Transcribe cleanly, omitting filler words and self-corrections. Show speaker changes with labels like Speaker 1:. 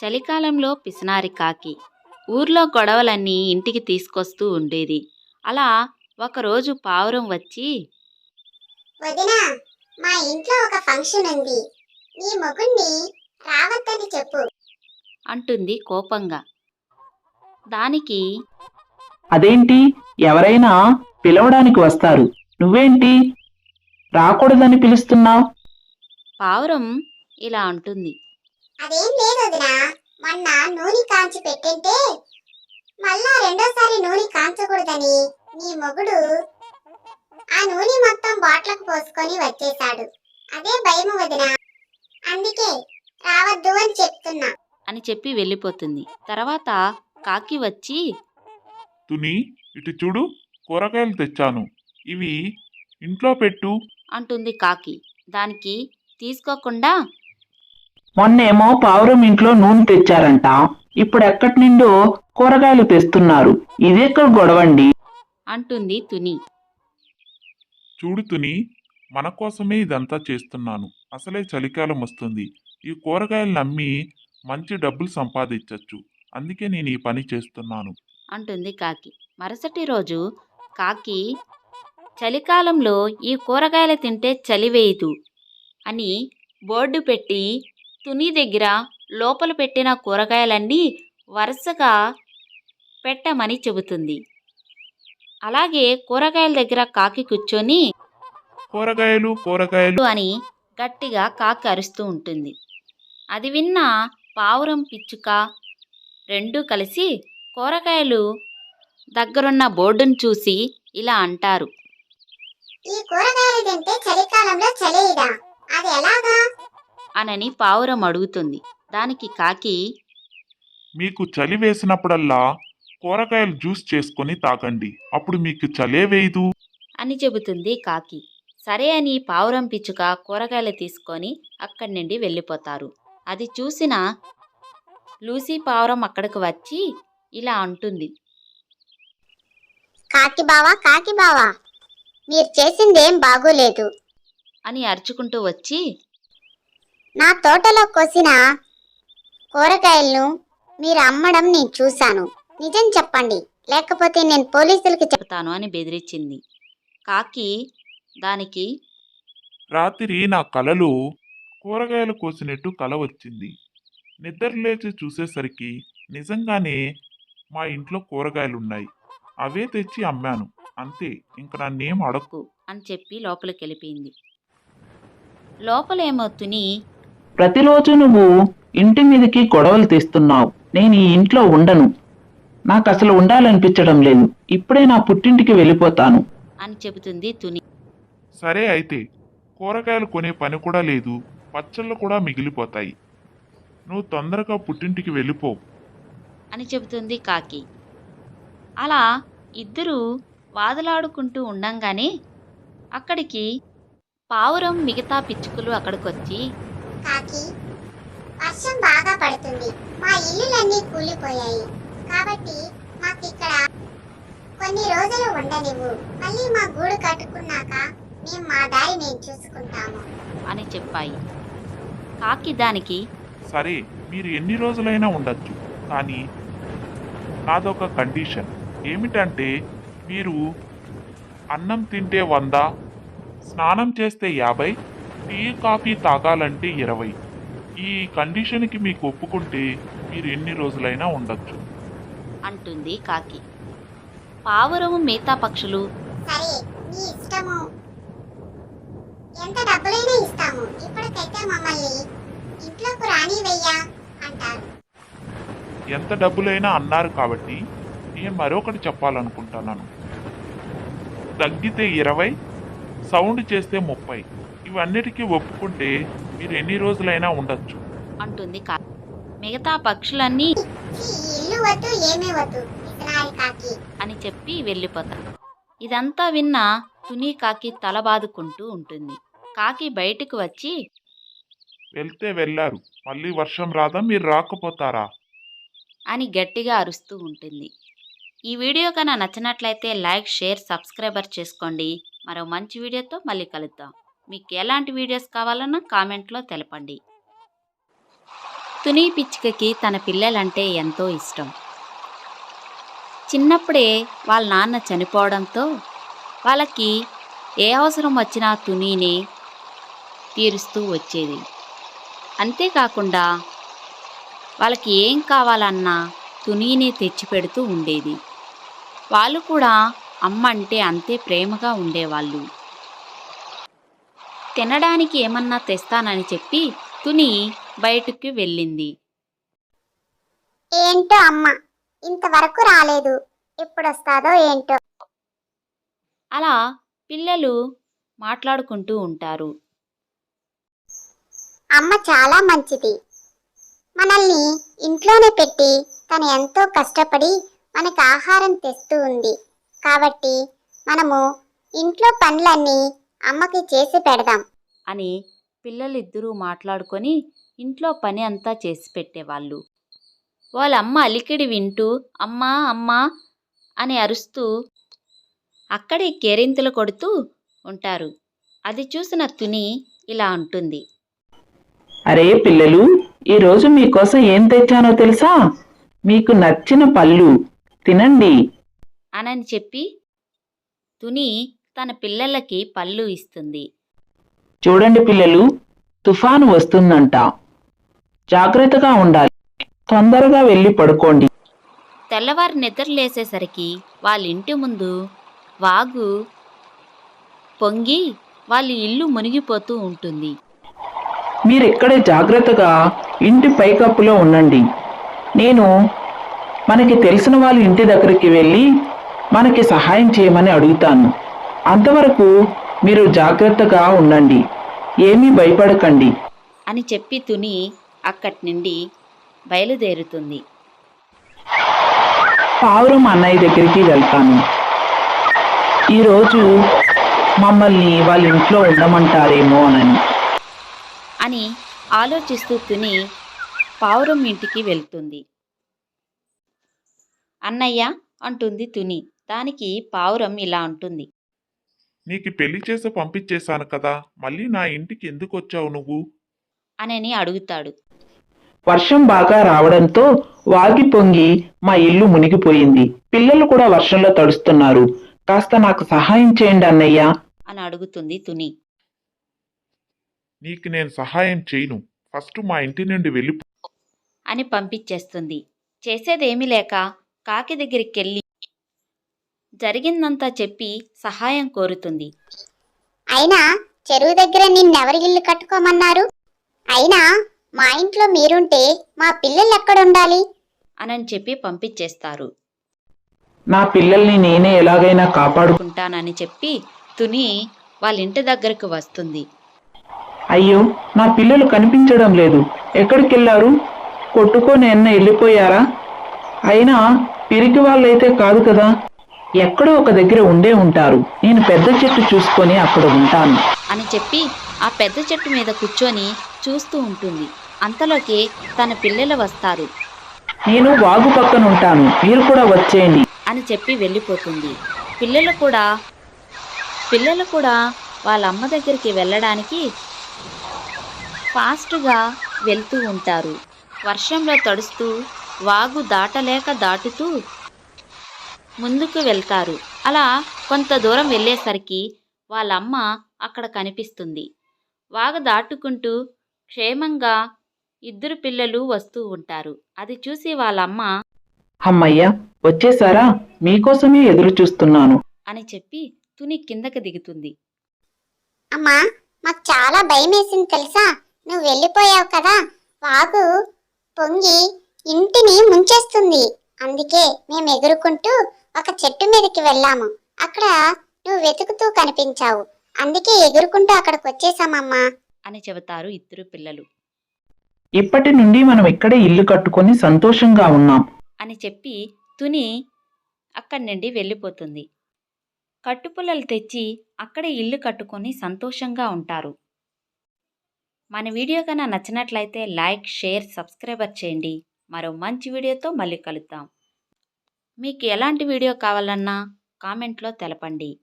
Speaker 1: చలికాలంలో పిసినారి కాకి ఊర్లో గొడవలన్నీ ఇంటికి తీసుకొస్తూ ఉండేది. అలా ఒకరోజు పావురం వచ్చి,
Speaker 2: వదినా, మా ఇంట్లో ఒక ఫంక్షన్ ఉంది. నీ మొగుణ్ణి రావద్దని చెప్పు.
Speaker 1: అంటుంది కోపంగా. దానికి
Speaker 3: అదేంటి, ఎవరైనా పిలవడానికి వస్తారు, నువ్వేంటి రాకూడదని పిలుస్తున్నావు?
Speaker 1: పావురం ఇలా అంటుంది.
Speaker 2: అదేం లేదు వదినా, మొన్న నూనె కాంచి పెట్టింటే మళ్ళా రెండోసారి నూనె కాంచకూడదని నీ మొగుడు ఆ నూనె మొత్తం బాట్లకు పోసుకొని వచ్చేశాడు. అదే భయము వదినా, అందుకే రావద్దు అని చెప్తున్నా
Speaker 1: అని చెప్పి వెళ్ళిపోతుంది. తర్వాత కాకి వచ్చి,
Speaker 4: తుని, ఇటు చూడు, కూరగాయలు తెచ్చాను, ఇవి ఇంట్లో పెట్టు.
Speaker 1: అంటుంది కాకి. దానికి తీసుకోకుండా,
Speaker 3: మొన్నేమో పావురం ఇంట్లో నూనె తెచ్చారంట, ఇప్పుడు ఎక్కడి నుండో కూరగాయలు తెస్తున్నారు, ఇదెక్కడ గొడవండి?
Speaker 1: అంటుంది తుని.
Speaker 4: చూడు తుని, మన కోసమే ఇదంతా చేస్తున్నాను. అసలే చలికాలం వస్తుంది. ఈ కూరగాయలను అమ్మి మంచి డబ్బులు సంపాదించవచ్చు. అందుకే నేను ఈ పని చేస్తున్నాను.
Speaker 1: అంటుంది కాకి. మరుసటి రోజు కాకి, చలికాలంలో ఈ కూరగాయలు తింటే చలి వేయదు అని బోర్డు పెట్టి తుని దగ్గర లోపల పెట్టిన కూరగాయలన్నీ వరుసగా పెట్టమని చెబుతుంది. అలాగే కూరగాయల దగ్గర కాకి కూర్చొని
Speaker 4: కూరగాయలు కూరగాయలు
Speaker 1: అని గట్టిగా కాకి అరుస్తూ ఉంటుంది. అది విన్న పావురం, పిచ్చుక రెండూ కలిసి కూరగాయలు దగ్గరున్న బోర్డును చూసి ఇలా అంటారు.
Speaker 2: ఈ కూరగాయలు తింటే చలికాలంలో చలేయదా? అది ఎలాగా?
Speaker 1: అనని పావురం అడుగుతుంది. దానికి కాకి,
Speaker 4: మీకు చలి వేసినప్పుడల్లా కూరగాయలు జ్యూస్ చేసుకొని తాగండి, అప్పుడు మీకు చలే వేయదు.
Speaker 1: అని చెబుతుంది కాకి. సరే అని పావురం, పిచ్చుక కూరగాయలు తీసుకొని అక్కడి నుండి వెళ్ళిపోతారు. అది చూసిన లూసీ పావురం అక్కడికి వచ్చి ఇలా అంటుంది.
Speaker 2: కాకి బావా, మీరు చేసిందేం బాగోలేదు.
Speaker 1: అని అరుచుకుంటూ వచ్చి,
Speaker 2: నా తోటలో కోసిన కూరగాయలను మీరు అమ్మడం నేను చూశాను. నిజం చెప్పండి, లేకపోతే నేను పోలీసులకి
Speaker 1: చెప్తాను అని బెదిరించింది. కాకి దానికి,
Speaker 4: రాత్రి నా కలలో కూరగాయలు కోసినట్టు కల వచ్చింది. నిద్ర లేచి చూసేసరికి నిజంగానే మా ఇంట్లో కూరగాయలున్నాయి. అవే తెచ్చి అమ్మాను, అంతే. ఇంక నన్నేం అడక్కు
Speaker 1: అని చెప్పి లోపలికి వెళ్ళిపోయింది. లోపలేమో తుని,
Speaker 3: ప్రతిరోజు నువ్వు ఇంటి మీదకి గొడవలు తెస్తున్నావు, నేను ఈ ఇంట్లో ఉండను, నాకు అసలు ఉండాలనిపించడం లేదు, ఇప్పుడే నా పుట్టింటికి వెళ్ళిపోతాను
Speaker 1: అని చెబుతుంది తుని.
Speaker 4: సరే అయితే, కూరగాయలు కొనే పని కూడా లేదు, పచ్చళ్ళు కూడా మిగిలిపోతాయి. నువ్వు తొందరగా పుట్టింటికి వెళ్ళిపో
Speaker 1: అని చెబుతుంది కాకి. అలా ఇద్దరూ వాదులాడుకుంటూ ఉండంగానే అక్కడికి పావురం, మిగతా పిచ్చుకలు అక్కడికొచ్చి,
Speaker 2: కాకి, వర్షం బాగా పడుతుంది, మా ఇల్లులన్నీ కూలిపోయాయి, కాబట్టి మాకిక్కడ కొన్ని రోజులు ఉండనివ్వు. మళ్ళీ మా గూడు కట్టుకున్నాక మేము మా దారి మేము చూసుకుంటాము
Speaker 1: అని చెప్పాయి. కాకి దానికి,
Speaker 4: సరే, మీరు ఎన్ని రోజులైనా ఉండొచ్చు, కానీ నాదొక కండిషన్. ఏమిటంటే, మీరు అన్నం తింటే 100, స్నానం చేస్తే 50, టీ కాఫీ తాగాలంటే 20. ఈ కండిషన్కి మీకు ఒప్పుకుంటే మీరు ఎన్ని రోజులైనా ఉండొచ్చు
Speaker 1: అంటుంది కాకి. పావురము, మిగతా పక్షులు,
Speaker 2: సరే, నీ ఇష్టము, ఎంత డబ్బులైనా ఇస్తాము, ఇప్పటికైతే మమ్మల్ని ఇంట్లోకి రానివయ్యా అంటారు.
Speaker 4: ఎంత డబ్బులైనా అన్నారు కాబట్టి నేను మరొకటి చెప్పాలనుకుంటున్నాను. తగ్గితే 20, సౌండ్ చేస్తే 30. ఇవన్నిటికీ ఒప్పుకుంటే మీరు ఎన్ని రోజులైనా ఉండొచ్చు
Speaker 1: అంటుంది కాకి. మిగతా పక్షులన్నీ
Speaker 2: ఈ ఇల్లు వద్దు, ఏమీ వద్దు, పిసినారి కాకి
Speaker 1: అని చెప్పి వెళ్ళిపోతారు. ఇదంతా విన్న తుని కాకి తల బాదుకుంటూ ఉంటుంది. కాకి బయటకు వచ్చి,
Speaker 4: వెళ్తే వెళ్ళారు, మళ్ళీ వర్షం రాదా, మీరు రాకపోతారా?
Speaker 1: అని గట్టిగా అరుస్తూ ఉంటుంది. ఈ వీడియో కన్నా నచ్చినట్లయితే లైక్, షేర్, సబ్స్క్రైబర్ చేసుకోండి. మరో మంచి వీడియోతో మళ్ళీ కలుద్దాం. మీకు ఎలాంటి వీడియోస్ కావాలన్నా కామెంట్లో తెలపండి. తుని పిచ్చుకకి తన పిల్లలంటే ఎంతో ఇష్టం. చిన్నప్పుడే వాళ్ళ నాన్న చనిపోవడంతో వాళ్ళకి ఏ అవసరం వచ్చినా తునీనే తీరుస్తూ వచ్చేది. అంతేకాకుండా వాళ్ళకి ఏం కావాలన్నా తునీనే తెచ్చిపెడుతూ ఉండేది. వాళ్ళు కూడా అమ్మ అంటే అంతే ప్రేమగా ఉండేవాళ్ళు. తినడానికి ఏమన్నా తెస్తానని చెప్పి తుని బయటికి వెళ్ళింది.
Speaker 2: ఏంటో అమ్మ ఇంతవరకు రాలేదు, ఎప్పుడొస్తాదో ఏంటో.
Speaker 1: అలా పిల్లలు మాట్లాడుకుంటూ ఉంటారు.
Speaker 2: అమ్మ చాలా మంచిది, మనల్ని ఇంట్లోనే పెట్టి తను ఎంతో కష్టపడి మనకు ఆహారం తెస్తూ ఉంది. కాబట్టి మనము ఇంట్లో పనులన్నీ అమ్మకి చేసి పెడదాం
Speaker 1: అని పిల్లలిద్దరూ మాట్లాడుకొని ఇంట్లో పని అంతా చేసి పెట్టేవాళ్ళు. వాళ్ళమ్మ అలికిడి వింటూ అమ్మా అమ్మా అని అరుస్తూ అక్కడే కేరింతలు కొడుతూ ఉంటారు. అది చూసిన తుని ఇలా అంటుంది.
Speaker 3: అరే పిల్లలు, ఈరోజు మీకోసం ఏం తెచ్చానో తెలుసా? మీకు నచ్చిన పళ్ళు తినండి
Speaker 1: అనని చెప్పి తుని తన పిల్లలకి పళ్ళు ఇస్తుంది.
Speaker 3: చూడండి పిల్లలు, తుఫాను వస్తుందంట, జాగ్రత్తగా ఉండాలి. తొందరగా వెళ్ళి పడుకోండి.
Speaker 1: తెల్లవారు నిద్రలేసేసరికి వాళ్ళ ఇంటి ముందు వాగు పొంగి వాళ్ళ ఇల్లు మునిగిపోతూ ఉంటుంది.
Speaker 3: మీరిక్కడే జాగ్రత్తగా ఇంటి పైకప్పులో ఉండండి. నేను మనకి తెలిసిన వాళ్ళ ఇంటి దగ్గరికి వెళ్ళి మనకి సహాయం చేయమని అడుగుతాను. అంతవరకు మీరు జాగ్రత్తగా ఉండండి, ఏమీ భయపడకండి
Speaker 1: అని చెప్పి తుని అక్కడి నుండి బయలుదేరుతుంది.
Speaker 3: పావురం అన్నయ్య దగ్గరికి వెళ్తాను. ఈరోజు మమ్మల్ని వాళ్ళ ఇంట్లో ఉండమంటారేమో
Speaker 1: అని ఆలోచిస్తూ తుని పావురం ఇంటికి వెళ్తుంది. అన్నయ్య అంటుంది తుని. దానికి పావురం ఇలా అంటుంది.
Speaker 4: నీకు పెళ్లి చేసి పంపించేశాను కదా, మళ్ళీ నా ఇంటికి ఎందుకు వచ్చావు నువ్వు?
Speaker 1: అని అడుగుతాడు.
Speaker 3: వర్షం బాగా రావడంతో వాగి పొంగి మా ఇల్లు మునిగిపోయింది. పిల్లలు కూడా వర్షంలో తడుస్తున్నారు. కాస్త నాకు సహాయం చేయండి అన్నయ్య
Speaker 1: అని అడుగుతుంది తుని.
Speaker 4: నీకు నేను సహాయం చేయను, ఫస్ట్ మా ఇంటి నుండి వెళ్ళి.
Speaker 1: అని పంపించేస్తుంది. చేసేదేమీ లేక కాకి దగ్గరికి వెళ్ళి జరిగిందంతా చెప్పి సహాయం కోరుతుంది.
Speaker 2: అయినా చెరువు దగ్గర నిన్నెవరి ఇల్లు కట్టుకోమన్నారు? అయినా మా ఇంట్లో మీరుంటే మా పిల్లలు ఎక్కడుండాలి?
Speaker 1: అని చెప్పి పంపించేస్తారు.
Speaker 3: నా పిల్లల్ని నేనే ఎలాగైనా కాపాడు.
Speaker 1: ఉంటానని చెప్పి తుని వాళ్ళ ఇంటి దగ్గరకు వస్తుంది.
Speaker 3: అయ్యో, నా పిల్లలు కనిపించడం లేదు. ఎక్కడికి వెళ్ళారు? కొట్టుకొని వెళ్ళిపోయారా? అయినా పిరికి వాళ్ళైతే కాదు కదా, ఎక్కడో ఒక దగ్గర ఉండే ఉంటారు. నేను పెద్ద చెట్టు చూసుకొని అక్కడ ఉంటాను
Speaker 1: అని చెప్పి ఆ పెద్ద చెట్టు మీద కూర్చొని చూస్తూ ఉంటుంది. అంతలోకి తన పిల్లలు వస్తారు.
Speaker 3: నేను వాగు పక్కన ఉంటాను, మీరు కూడా వచ్చేయండి
Speaker 1: అని చెప్పి వెళ్ళిపోతుంది. పిల్లలు కూడా వాళ్ళ అమ్మ దగ్గరికి వెళ్ళడానికి ఫాస్ట్గా వెళ్తూ ఉంటారు. వర్షంలో తడుస్తూ వాగు దాటుతూ ముందుకు వెళ్తారు. అలా కొంత దూరం వెళ్ళేసరికి వాళ్ళ అమ్మ అక్కడ కనిపిస్తుంది. వాగు దాటుకుంటూ క్షేమంగా ఇద్దరు పిల్లలు వస్తూ ఉంటారు. అది చూసి వాళ్ళమ్మ
Speaker 3: అమ్మయ్య, వచ్చేసారా? మీకోసమే ఎదురు చూస్తున్నాను
Speaker 1: అని చెప్పి తుని కిందకి దిగుతుంది.
Speaker 2: అమ్మా, మాకు చాలా భయం వేసింది తెలుసా? నువ్వు వెళ్ళిపోయావు కదా, వాగు పొంగి ఇంటిని ముంచేస్తుంది. అందుకే మేము ఎగురుకుంటూ ఒక చెట్టు మీదకి వెళ్ళాము. అక్కడ నువ్వు వెతుకుతూ కనిపించావు. అందుకే ఎగురుకుంటూ అక్కడికి వచ్చేసామమ్మా
Speaker 1: అని చెబుతారు ఇద్దరు పిల్లలు.
Speaker 3: ఇప్పటి నుండి మనం ఇక్కడే ఇల్లు కట్టుకొని సంతోషంగా ఉన్నాం
Speaker 1: అని చెప్పి తుని అక్కడి నుండి వెళ్ళిపోతుంది. కట్టుపుల్లలు తెచ్చి అక్కడే ఇల్లు కట్టుకొని సంతోషంగా ఉంటారు. మన వీడియో కన్నా నచ్చినట్లయితే లైక్, షేర్, సబ్స్క్రైబర్ చేయండి. మరో మంచి వీడియోతో మళ్ళీ కలుద్దాం. మీకు ఎలాంటి వీడియో కావాలన్నా కామెంట్లో తెలపండి.